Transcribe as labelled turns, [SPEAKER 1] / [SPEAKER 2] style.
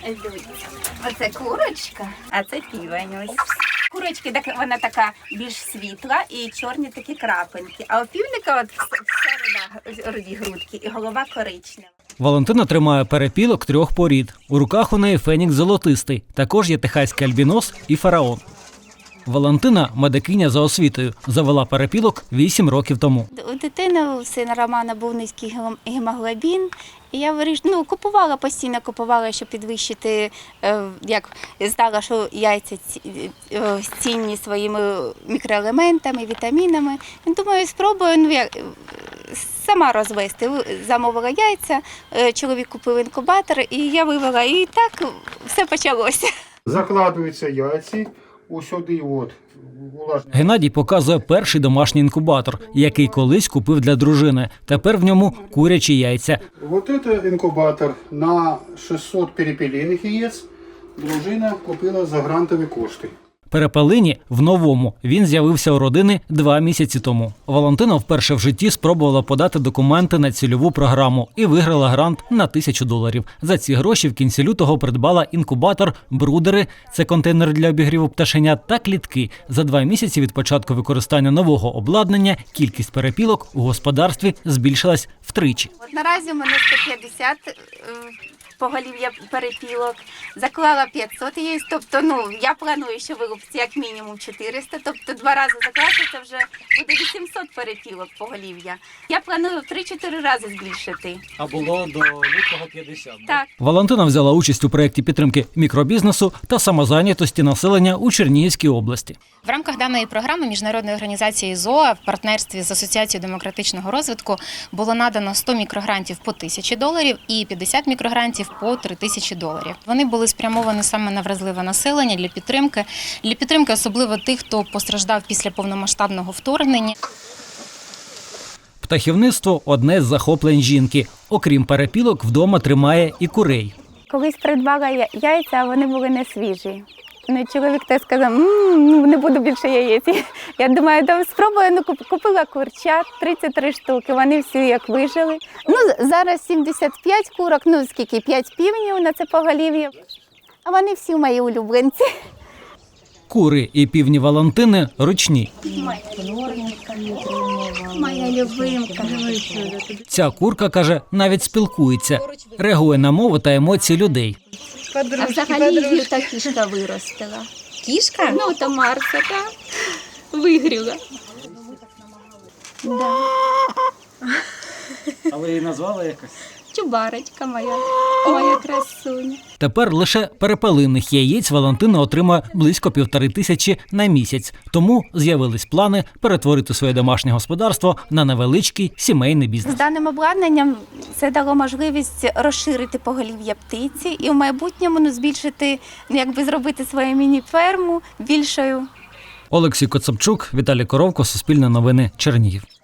[SPEAKER 1] Оце курочка, а це півень ось. Курочки, вона така більш світла і чорні такі крапинки. А у півника от вся руді грудки і голова коричнева.
[SPEAKER 2] Валентина тримає перепілок 3 порід. У руках у неї фенікс золотистий. Також є техаський альбінос і фараон. Валентина – медикиня за освітою. Завела перепілок 8 років тому.
[SPEAKER 1] У дитини, у сина Романа, був низький гемоглобін. І я постійно купувала, щоб підвищити, як знала, що яйця цінні своїми мікроелементами, вітамінами. Думаю, спробую сама розвести. Замовила яйця, чоловік купив інкубатор, і я вивела. І так все почалося.
[SPEAKER 3] Закладуються яйці.
[SPEAKER 2] Геннадій показує перший домашній інкубатор, який колись купив для дружини. Тепер в ньому курячі яйця.
[SPEAKER 3] Вот это інкубатор на 600 перепелиних яєць. Дружина купила за грантові кошти.
[SPEAKER 2] Перепелині в новому. Він з'явився у родини 2 місяці тому. Валентина вперше в житті спробувала подати документи на цільову програму і виграла грант на $1000. За ці гроші в кінці лютого придбала інкубатор, брудери – це контейнер для обігріву пташенят, та клітки. За 2 місяці від початку використання нового обладнання кількість перепілок у господарстві збільшилась втричі.
[SPEAKER 1] Наразі у мене 150 поголів'я перепілок, заклала 500 яєць, тобто я планую, що вилупиться як мінімум 400, тобто 2 рази закласти, це вже буде 800 перепілок поголів'я. Я планую в 3-4 рази збільшити.
[SPEAKER 2] А було до лютого 50,
[SPEAKER 1] так?
[SPEAKER 2] Валентина взяла участь у проєкті підтримки мікробізнесу та самозайнятості населення у Чернігівській області.
[SPEAKER 4] В рамках даної програми Міжнародної організації ЗОА в партнерстві з Асоціацією демократичного розвитку було надано 100 мікрогрантів по $1000 і 50 мікрогрантів по $3000. Вони були спрямовані саме на вразливе населення для підтримки особливо тих, хто постраждав після повномасштабного вторгнення.
[SPEAKER 2] Птахівництво – одне з захоплень жінки. Окрім перепілок, вдома тримає і курей.
[SPEAKER 1] Колись придбала яйця, а вони були не свіжі. Чоловік теж сказав, не буду більше яєць. Я думаю, спробую, купила курчат, 33 штуки, вони всі як вижили. Зараз 75 курок, 5 півнів на це поголів'я, а вони всі мої улюбленці.
[SPEAKER 2] Кури і півні Валентини ручні.
[SPEAKER 1] Моя любимка.
[SPEAKER 2] Ця курка, каже, навіть спілкується, реагує на мову та емоції людей.
[SPEAKER 1] А взагалі та кішка виростила.
[SPEAKER 4] Кішка?
[SPEAKER 1] То Марса, так. Вигріла. Да.
[SPEAKER 2] А ви її назвали якось?
[SPEAKER 1] Чубарочка моя красуня.
[SPEAKER 2] Тепер лише перепелиних яєць Валентина отримує близько 1500 на місяць. Тому з'явились плани перетворити своє домашнє господарство на невеличкий сімейний бізнес.
[SPEAKER 1] З даним обладнанням це дало можливість розширити поголів'я птиці і в майбутньому збільшити, зробити свою міні-ферму більшою.
[SPEAKER 2] Олексій Коцапчук, Віталій Коровко, Суспільне новини, Чернігів.